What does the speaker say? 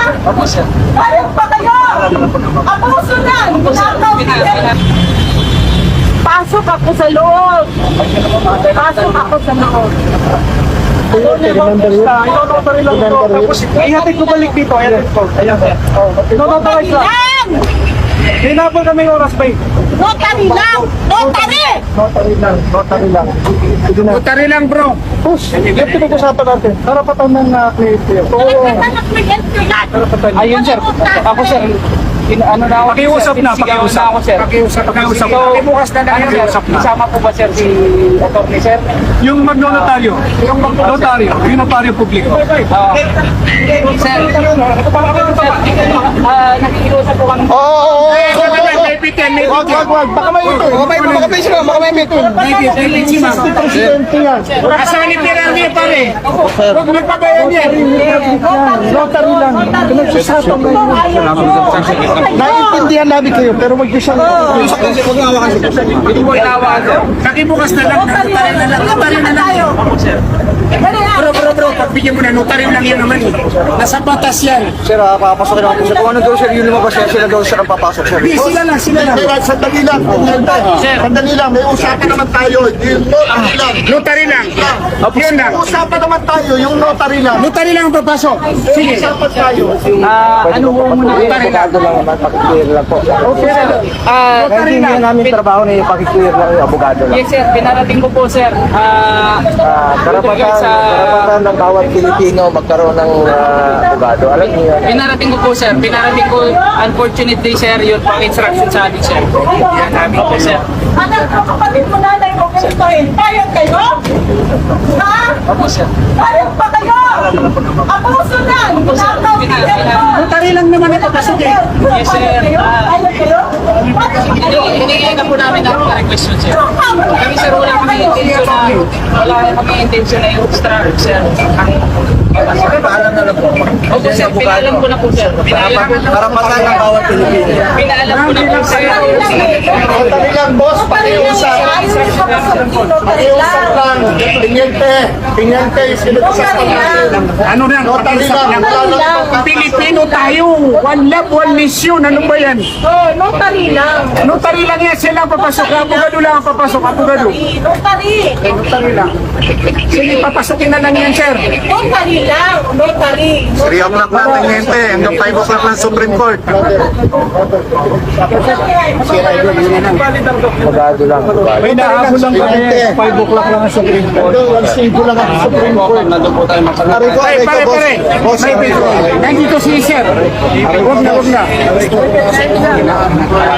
Opo, sir. Parang pa kayo! Abuso na! Pasok ako sa loob! Pasok ako sa loob! Ino-notary lang ito. Tapos, ihatid ko balik dito. Ihatid ko. Ayan, sir. Ino-notary lang. Lang! Hinapon kami oras, bay. Notary lang! Notary! Notary lang. Notary lang. Sige na. Notary lang, bro. Push. Yan pinag-usapan natin. Karapatan ng client here. Ayun, sir. Ako, sir. Ano na ako? Pakiusap na, pakiusap. Ako, sir. Pakiusap. So, bukas na lang, sir. Isama po ba, sir, si attorney, sir? Yung magnotaryo. Yung magnotaryo. Yung notaryo publiko. Sir, nakikiusap po kami. Wag. Baka may ito. Presidente yan. Asawa ni Pirani, pare. Huwag magpabayan yan. Notary lang. Pinag-usapan na yun. Naiintindihan namin kayo, pero wag niyo siyang... Hindi mo inawa. Nakibukas na lang. Notary na lang. Bro. Pagbigyan mo na. Notary lang yan naman. Nasa batas yan. Sir, papasok naman po siya. Kung ano daw sir, yun lumabas siya, sila daw sir ang papasok sir. Sila lang. Sandali lang. Sandali lang, may usapan naman tayo. Yung notary lang. Notary lang. Yun lang. Usapan naman tayo, yung notary lang. Notary lang ang papasok. Sige. Usapan tayo. Ano mo muna? Notary lang. lang naman, pakiclear lang po. Okay, sir. Kasi hindi namin trabaho na yung pakiclear lang yung abogado lang. Yes, sir. Pinarating ko po, sir. Karapatan ng bawat Pilipino magkaroon ng abogado. Alam niyo yan. Pinarating ko po, sir. Pinarating ko, unfortunately, sir, yun pang instruction sa amin, sir. Yan namin po, sir. Anak ko, kapatid mo nanay ko, ganitoin. Payag kayo? Ha? Opo, sir. Payag pa kayo? Abuso na! Ginagaw kayo! Notary lang naman ito, pasok eh. Yes, sir. Payag kayo? Hinigyan na po namin ang request yun, sir. Kami, sir, wala kami intention na yung obstruct, sir. Paalam na lang po. Opo, sir. Pinaalam ko na po, sir. Karapatan ng bawat Pilipino. Pinaalam ko na po, sir. Notary lang, boss. Pakiusap. Pakiusap lang. Pinyente, sinutusapan natin. Ano na? Notary lang. Pilipino tayo. One love, one mission. Ano ba yan? Notary lang. Notary lang yan. Sila ang papasok. Abogado lang ang papasok. Abogado. Notary. Notary lang. Sige, papasukin na lang yan, sir. Notary lang. Notary. 3 o'clock na, pinyente. Hanggang 5 o'clock ng Supreme Court. Abogado lang. May nahabol lang kami. 5 o'clock lang ang Supreme Court. Ang sigo lang ang Supreme Court. Nandun po tayo Pare, pare. Nandito si sir. Huwag na.